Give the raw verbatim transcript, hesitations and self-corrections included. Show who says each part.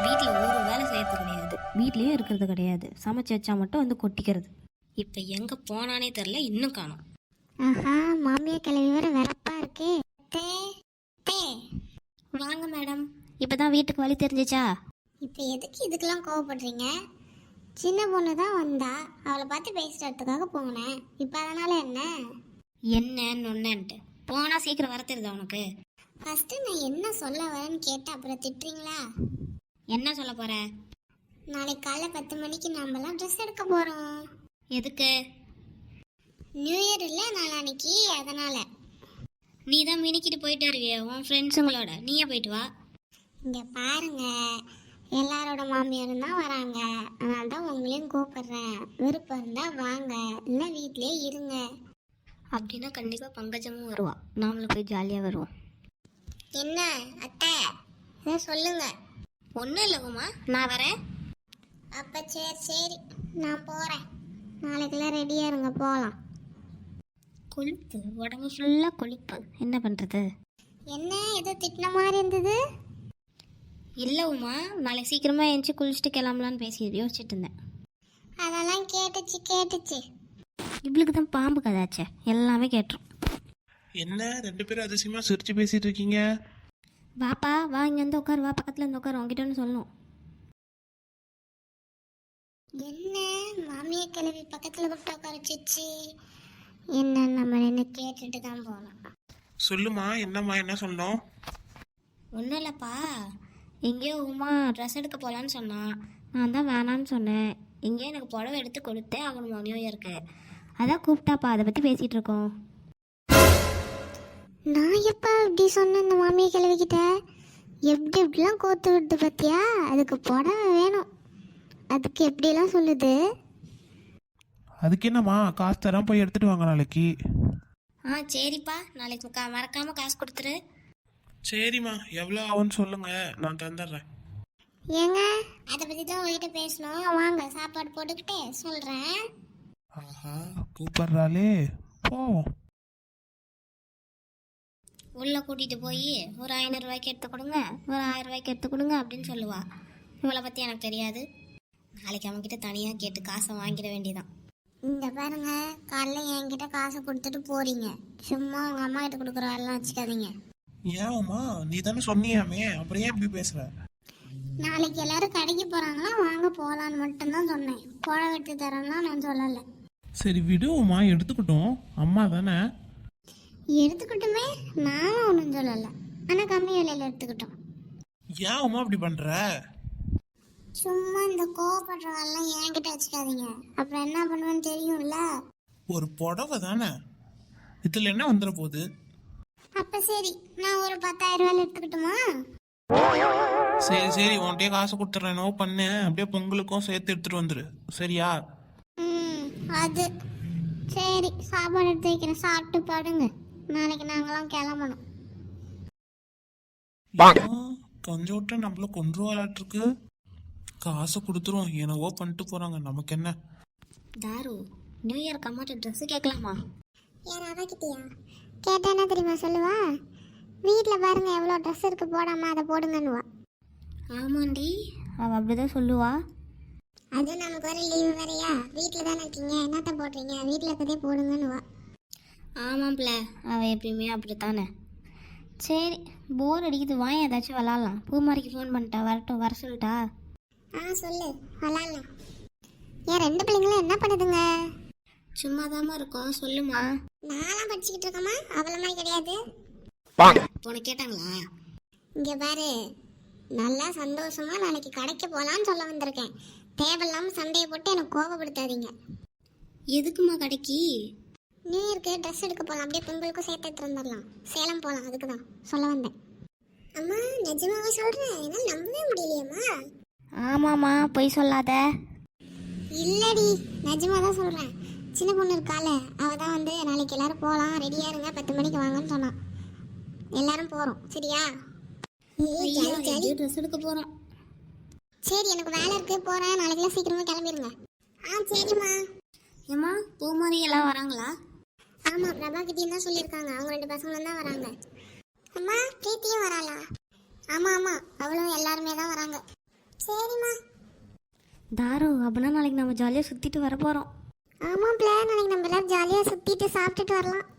Speaker 1: வீட்டில் ஒரு வேலை செய்யறது கிடையாது, வீட்லேயும் இருக்கிறது கிடையாது, சமைச்சு வச்சா மட்டும் வந்து கொட்டிக்கிறது. இப்போ எங்கே போனானே தெரில, இன்னும் காணோம்.
Speaker 2: ஆஹா, மாமியார் கிளவி வேற வெறப்பா இருக்கு. தே தே
Speaker 1: வாங்க மேடம், இப்போ தான் வீட்டுக்கு வழி தெரிஞ்சிச்சா?
Speaker 2: இப்போ எதுக்கு இதுக்கெல்லாம் கோவப்படுறீங்க? சின்ன பொண்ணு தான் வந்தா, அவளை பார்த்து பேசுறதுக்காக போனேன். இப்போ அதனால என்ன?
Speaker 1: என்னன்னு ஒன்னுன்ட்டு போனா சீக்கிரம் வர தெரியுதா உனக்கு?
Speaker 2: ஃபர்ஸ்ட் நான் என்ன சொல்ல வரேன்னு கேட்டு அப்புறம் திட்டுறீங்களா?
Speaker 1: என்ன சொல்ல போற?
Speaker 2: நாளைக்கு காலைல பத்து மணிக்கு நம்மலாம் ட்ரெஸ் எடுக்க போறோம்.
Speaker 1: எதுக்கு?
Speaker 2: நியூ இயர் இல்லை நாளான்னைக்கு, அதனால.
Speaker 1: நீ தான் மினிக்கிட்டு போயிட்டு வருவிய உன் ஃப்ரெண்ட்ஸுங்களோட, நீயே போயிட்டு வா.
Speaker 2: இங்க பாருங்க, எல்லாரோட மாமியாரும் தான் வராங்க, அதனால தான் உங்களையும் கூப்பிடுறேன். விருப்பம் இருந்தா வாங்க, இல்லை வீட்லயே இருங்க.
Speaker 1: அப்படின்னா கண்டிப்பாக பங்கஜமும் வருவா, நாமளும் போய் ஜாலியாக வருவோம்.
Speaker 2: என்ன அத்தை, இதை சொல்லுங்க.
Speaker 1: ஒன்றும் இல்லை உமா, நான் வரேன்.
Speaker 2: அப்போ சரி சரி, நான் போகிறேன். நாளைக்கெல்லாம் ரெடியாக இருங்க, போகலாம்.
Speaker 1: கொழுப்பு, உடம்பு ஃபுல்லாக கொழுப்பு, என்ன பண்ணுறது?
Speaker 2: என்ன ஏதோ திட்டின மாதிரி இருந்தது?
Speaker 1: இல்லை உமா, நாளைக்கு சீக்கிரமாக எழுந்துச்சி குளிச்சுட்டு கிளம்பலான்னு பேசி யோசிச்சுட்டு இருந்தேன்.
Speaker 2: அதெல்லாம் கேட்டுச்சு கேட்டுச்சு.
Speaker 1: இவளுக்கு தான் பாம்பு கதாச்சே, எல்லாமே கேட்டுரும்.
Speaker 3: என்ன ரெண்டு பேரும் அதிசயமா சிரிச்சு பேசிட்டு இருக்கீங்க?
Speaker 1: வாப்பா வா, இங்கே வந்து உட்காரு, வா பக்கத்தில் இருந்து உட்காரு, உங்ககிட்ட ஒன்று சொல்லணும்.
Speaker 2: என்ன மாமியை கிளவி பக்கத்தில் கூப்பிட்டு உட்காரச்சிச்சு? என்ன நம்ம என்ன கேட்டுட்டு தான் போகலாம்.
Speaker 3: சொல்லுமா, என்னம்மா, என்ன சொன்னோம்?
Speaker 1: ஒன்றும் இல்லைப்பா, எங்கேயோ உமா ட்ரெஸ் எடுக்க போகலான்னு சொன்னான், நான் தான் வேணான்னு சொன்னேன். எங்கேயோ எனக்கு புடவை எடுத்து கொடுத்தேன் அவனுமா நியூ இயருக்கு, அதான் கூப்பிட்டாப்பா, அதை பற்றி பேசிகிட்டு இருக்கோம்.
Speaker 2: நான் எப்போ இப்படி சொன்னேன் இந்த மாமியை கிளவிக்கிட்ட? எப்படி எப்படிலாம் கோத்து விடுது பார்த்தியா? அதுக்கு புடவை வேணும், அதுக்கு எப்படிலாம் சொல்லுது.
Speaker 3: அதுக்கு என்னம்மா, காசு தரேன், போய் எடுத்துட்டு வாங்க நாளைக்கு.
Speaker 1: ஆ சரிப்பா, நாளைக்கு கா மறக்காமல் காசு கொடுத்துரு.
Speaker 3: சரிம்மா, எவ்வளோ ஆகும்னு சொல்லுங்க, நான் தந்துடுறேன்.
Speaker 2: ஏங்க, அதை பற்றி தான் உங்ககிட்ட பேசணும். வாங்க சாப்பாடு போட்டுக்கிட்டே சொல்கிறேன்.
Speaker 3: ஆஹா, கூப்பிடுறாளே, போவோம்.
Speaker 1: உள்ளே கூட்டிகிட்டு போய் ஒரு ஐநூறுரூவாய்க்கு எடுத்து கொடுங்க, ஒரு ஆயிரம் ரூபாய்க்கு எடுத்து கொடுங்க அப்படின்னு சொல்லுவா. இவளை பற்றி எனக்கு தெரியாது, நாளைக்கு அவன்கிட்ட தனியாக கேட்டு காசை வாங்கிட வேண்டியதான்.
Speaker 2: இந்த பாருங்க, காலைல என்கிட்ட காசை கொடுத்துட்டு போறீங்க, சும்மா உங்க அம்மா கிட்ட கொடுக்குற வேலைலாம் வச்சுக்காதீங்க.
Speaker 3: ஏம்மா, நீ தானே சொன்னியாமே, அப்புறம் ஏன் இப்படி பேசுற?
Speaker 2: நாளைக்கு எல்லாரும் கடைக்கு போறாங்களா, வாங்க போகலான்னு மட்டும்தான் சொன்னேன். புடவை எடுத்து தரேன்லாம் நான் சொல்லலை.
Speaker 3: சரி விடுவோம்மா, எடுத்துக்கிட்டோம், அம்மா தானே.
Speaker 2: எடுத்துக்கிட்டுமே, நானும் ஒன்றும் சொல்லலை, ஆனால் கம்மி விலையில எடுத்துக்கிட்டோம்.
Speaker 3: ஏன் அம்மா இப்படி பண்ற?
Speaker 2: சும்மா இந்த கோவப்படுற வேலைலாம் என்கிட்ட வச்சுக்காதீங்க, அப்புறம் என்ன பண்ணுவேன்னு தெரியும்ல.
Speaker 3: ஒரு புடவை தானே, இதுல என்ன வந்துட போகுது?
Speaker 2: அப்ப சரி, நான் ஒரு பத்தாயிரம் ரூபாய் எடுத்துக்கிட்டுமா?
Speaker 3: சரி சரி, உன்கிட்டயே காசு கொடுத்துட்றேன், நோ பண்ணு, அப்படியே பொங்கலுக்கும் சேர்த்து எடுத்துட்டு வந்துரு, சரியா?
Speaker 2: ம், அது சரி. சாப்பாடு எடுத்து வைக்கிறேன், சாப்பிட்டு பாடுங்க, நாளைக்கு நாங்களாம் கிளம்பணும்.
Speaker 3: கொஞ்சம் விட்டு நம்மள கொண்டு வராட்டிருக்கு. காசை கொடுத்துரும், என்னவோ பண்ணிட்டு போறாங்க, நமக்கு என்ன?
Speaker 1: தாரு, நியூ இயர்க்கு அம்மாட்ட ட்ரெஸ்ஸு கேட்கலாமா?
Speaker 2: யார் அவகிட்டயா? கேட்டா என்ன தெரியுமா சொல்லுவா? வீட்டில் பாருங்க எவ்வளோ ட்ரெஸ் இருக்கு, போடாம அதை போடுங்கன்னுவா.
Speaker 1: ஆமாண்டி, அவள் அப்படிதான் சொல்லுவா.
Speaker 2: அது நமக்கு வர லீவு வேறையா, வீட்டில் தானே இருக்கீங்க, என்னத்த போடுறீங்க, வீட்டில் இருக்கதே போடுங்கன்னுவா.
Speaker 1: ஆமாம்ல, அவள் எப்பயுமே அப்படித்தானே. சரி, போர் அடிக்குது, வாங்க ஏதாச்சும் விளாட்லாம். பூமாரிக்கு ஃபோன் பண்ணிட்டா, வரட்டும், வர சொல்லிட்டா.
Speaker 2: ஆ சொல்லு, விளாட்லாம். ஏன் ரெண்டு பிள்ளைங்களும் என்ன பண்ணுதுங்க?
Speaker 1: சும்மா தாம்மா இருக்கோம், சொல்லுமா.
Speaker 2: நான்லாம் படிச்சுக்கிட்டு இருக்கேம்மா, அவள மாதிரி கிடையாது.
Speaker 1: போன கேட்டாங்களா?
Speaker 2: இங்கே பாரு, நல்லா சந்தோஷமா நாளைக்கு கடைக்கு போகலான்னு சொல்ல வந்திருக்கேன். தேவையில்லாமல் சண்டையை போட்டு எனக்கு கோபப்படுத்தாதீங்க.
Speaker 1: எதுக்குமா கடைக்கு?
Speaker 2: நியூ இயர்க்கு ட்ரெஸ் எடுக்க போகலாம், அப்படியே பொங்கலுக்கும் சேர்த்து எடுத்து வந்துடலாம். சேலம் போகலாம், அதுக்கு தான் சொல்ல வந்தேன். அம்மா நிஜமாவே சொல்கிறேன், என்னால் நம்பவே முடியலையம்மா.
Speaker 1: ஆமாம்மா, பொய் சொல்லாத.
Speaker 2: இல்லடி, நிஜமாக தான் சொல்கிறேன். சின்ன பொண்ணு இருக்கால, அவள் தான் வந்து நாளைக்கு எல்லாரும் போகலாம், ரெடியாக இருங்க, பத்து மணிக்கு வாங்கன்னு சொன்னான். எல்லாரும் போகிறோம், சரியா?
Speaker 1: ட்ரெஸ் எடுக்க போகிறோம்.
Speaker 2: சரி, எனக்கு வேலை இருக்கு, போகிறேன். நாளைக்கெல்லாம் சீக்கிரமாக கிளம்பிடுங்க. ஆ சரிம்மா.
Speaker 1: ஏம்மா, பூமாரி எல்லாம் வராங்களா?
Speaker 2: ஆமாம், பிரபா கிட்டேயும் தான் சொல்லியிருக்காங்க, அவங்க ரெண்டு பசங்களும் தான் வராங்க. அம்மா பிரீத்தியும் வராளா? ஆமாம் ஆமாம், அவளும் எல்லாருமே தான் வராங்க. சரிம்மா.
Speaker 1: தாரு அப்படின்னா நாளைக்கு நம்ம ஜாலியாக சுற்றிட்டு வர போகிறோம்.
Speaker 2: ஆமாம் பிள்ளை, நாளைக்கு நம்ம எல்லாரும் ஜாலியாக சுற்றிட்டு சாப்பிட்டுட்டு வரலாம்.